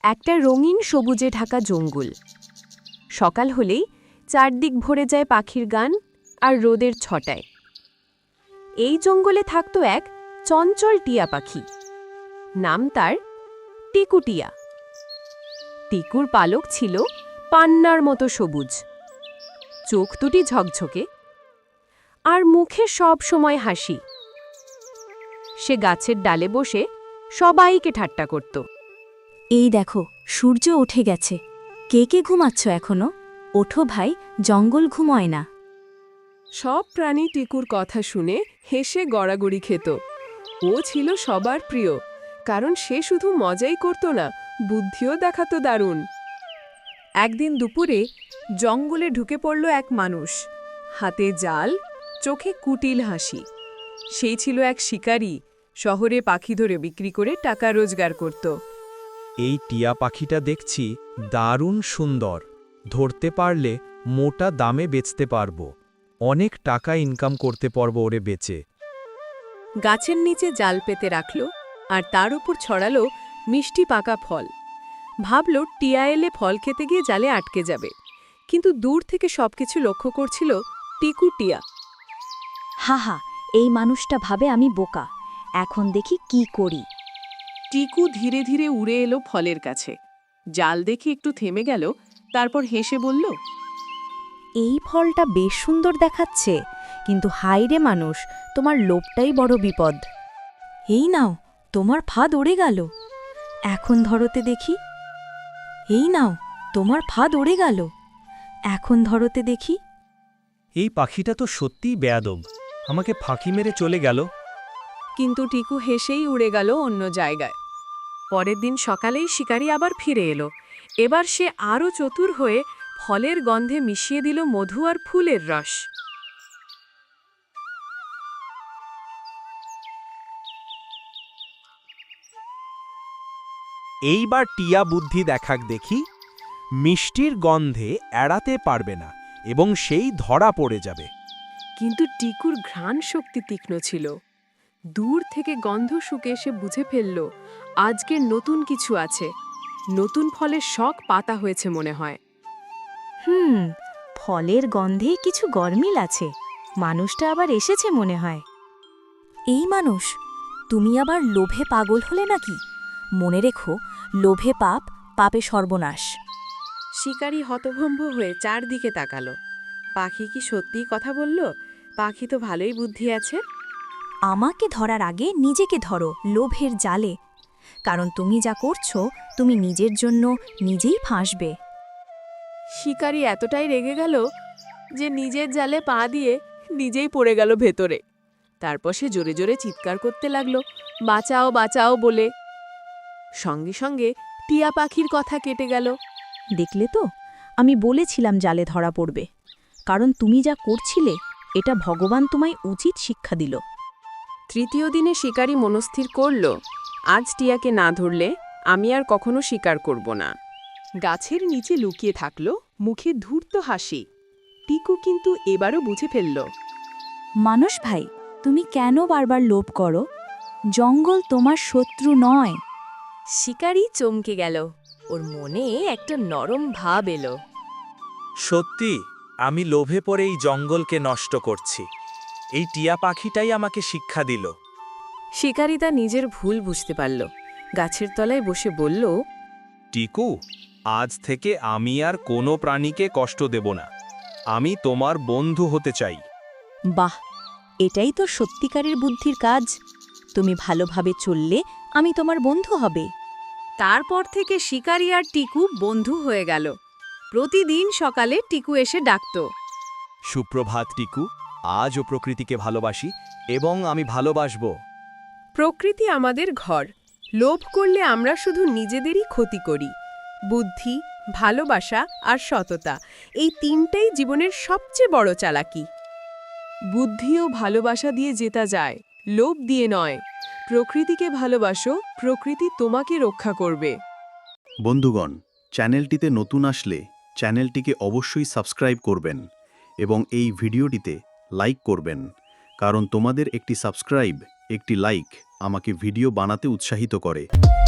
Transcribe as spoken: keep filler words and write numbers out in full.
একটা রঙিন সবুজে ঢাকা জঙ্গল। সকাল হলেই চারদিক ভরে যায় পাখির গান আর রোদের ছটায়। এই জঙ্গলে থাকত এক চঞ্চল টিয়া পাখি। নাম তার টিকু টিয়া। টিকুর পালক ছিল পান্নার মতো সবুজ, চোখ দুটি ঝকঝকে, আর মুখে সব সময় হাসি। সে গাছের ডালে বসে সবাইকে ঠাট্টা করত। এই দেখো, সূর্য উঠে গেছে। কে কে ঘুমাচ্ছ এখনো? ওঠো ভাই, জঙ্গল ঘুমোয় না। সব প্রাণী টিকুর কথা শুনে হেসে গড়াগড়ি খেত। ও ছিল সবার প্রিয়, কারণ সে শুধু মজাই করত না, বুদ্ধিও দেখাতো দারুণ। একদিন দুপুরে জঙ্গলে ঢুকে পড়ল এক মানুষ, হাতে জাল, চোখে কুটিল হাসি। সেই ছিল এক শিকারী, শহরে পাখি ধরে বিক্রি করে টাকা রোজগার করত। এই টিয়া পাখিটা দেখছি দারুণ সুন্দর। ধরতে পারলে মোটা দামে বেচতে পারবো, অনেক টাকা ইনকাম করতে পারবো ওরে বেচে। গাছের নিচে জাল পেতে রাখল, আর তার উপর ছড়ালো মিষ্টি পাকা ফল। ভাবল টিয়া এলে ফল খেতে গিয়ে জালে আটকে যাবে, কিন্তু দূর থেকে সবকিছু লক্ষ্য করছিল টিকু টিয়া। হা হা, এই মানুষটা ভাবে আমি বোকা। এখন দেখি কি করি। টিকু ধীরে ধীরে উড়ে এলো ফলের কাছে। জাল দেখে একটু থেমে গেল, তারপর হেসে বলল, এই ফলটা বেশ সুন্দর দেখাচ্ছে, কিন্তু হাই রে মানুষ, তোমার লোভটাই বড় বিপদ। এই নাও, তোমার ফাঁদ উড়ে গেল। এখন ধরতে দেখি। এই নাও, তোমার ফাঁদ উড়ে গেল। এখন ধরতে দেখি। এই পাখিটা তো সত্যিই বেয়াদব, আমাকে ফাঁকি মেরে চলে গেল। কিন্তু টিকু হেসেই উড়ে গেল অন্য জায়গায়। পরের দিন সকালেই শিকারী আবার ফিরে এলো। এবার সে আরও চতুর হয়ে ফলের গন্ধে মিশিয়ে দিল মধু আর ফুলের রস। এইবার টিয়া বুদ্ধি দেখাক দেখি। মিষ্টির গন্ধে এড়াতে পারবে না এবং সেই ধরা পড়ে যাবে। কিন্তু টিকুর ঘ্রাণ শক্তি তীক্ষ্ণ ছিল। দূর থেকে গন্ধ শুকে সে বুঝে ফেলল আজকের নতুন কিছু আছে। নতুন ফলের শখ পাতা হয়েছে মনে হয়। হুম, ফলের গন্ধে কিছু গরমিল আছে। মানুষটা আবার এসেছে মনে হয়। এই মানুষ, তুমি আবার লোভে পাগল হলে নাকি? মনে রেখো, লোভে পাপ, পাপে সর্বনাশ। শিকারী হতভম্ব হয়ে চারদিকে তাকালো। পাখি কি সত্যিই কথা বলল? পাখি তো ভালোই বুদ্ধি আছে। আমাকে ধরার আগে নিজেকে ধরো লোভের জালে, কারণ তুমি যা করছো তুমি নিজের জন্য নিজেই ফাঁসবে। শিকারী এতটাই রেগে গেল যে নিজের জালে পা দিয়ে নিজেই পড়ে গেল ভেতরে। তারপর সে জোরে জোরে চিৎকার করতে লাগলো, বাঁচাও বাঁচাও বলে। সঙ্গে সঙ্গে টিয়া পাখির কথা কেটে গেল। দেখলে তো, আমি বলেছিলাম জালে ধরা পড়বে, কারণ তুমি যা করছিলে এটা ভগবান তোমায় উচিত শিক্ষা দিল। তৃতীয় দিনে শিকারী মনস্থির করল, আজ টিয়াকে না ধরলে আমি আর কখনো শিকার করব না। গাছের নিচে লুকিয়ে থাকল, মুখে ধূর্ত হাসি। টিকু কিন্তু এবারও বুঝে ফেলল। মানুষ ভাই, তুমি কেন বারবার লোভ করো? জঙ্গল তোমার শত্রু নয়। শিকারী চমকে গেল, ওর মনে একটা নরম ভাব এলো। সত্যি, আমি লোভে পড়ে এই জঙ্গলকে নষ্ট করছি। এই টিয়া পাখিটাই আমাকে শিক্ষা দিল। শিকারী তা নিজের ভুল বুঝতে পারল। গাছের তলায় বসে বলল, টিকু, আজ থেকে আমি আর কোনো প্রাণীকে কষ্ট দেব না। আমি তোমার বন্ধু হতে চাই। বাহ, এটাই তো সত্যিকারের বুদ্ধির কাজ। তুমি ভালোভাবে চললে আমি তোমার বন্ধু হবে। তারপর থেকে শিকারী আর টিকু বন্ধু হয়ে গেল। প্রতিদিন সকালে টিকু এসে ডাকত, সুপ্রভাত টিকু, আজও প্রকৃতিকে ভালোবাসি এবং আমি ভালোবাসব। প্রকৃতি আমাদের ঘর। লোভ করলে আমরা শুধু নিজেদেরই ক্ষতি করি। বুদ্ধি, ভালোবাসা আর সততা, এই তিনটাই জীবনের সবচেয়ে বড় চালাকি। বুদ্ধি ও ভালোবাসা দিয়ে জেতা যায়, লোভ দিয়ে নয়। প্রকৃতিকে ভালোবাসো, প্রকৃতি তোমাকে রক্ষা করবে। বন্ধুগণ, চ্যানেলটিতে নতুন আসলে চ্যানেলটিকে অবশ্যই সাবস্ক্রাইব করবেন এবং এই ভিডিওটিতে লাইক করবেন, কারণ তোমাদের একটি সাবস্ক্রাইব, একটি লাইক আমাকে ভিডিও বানাতে উৎসাহিত করে।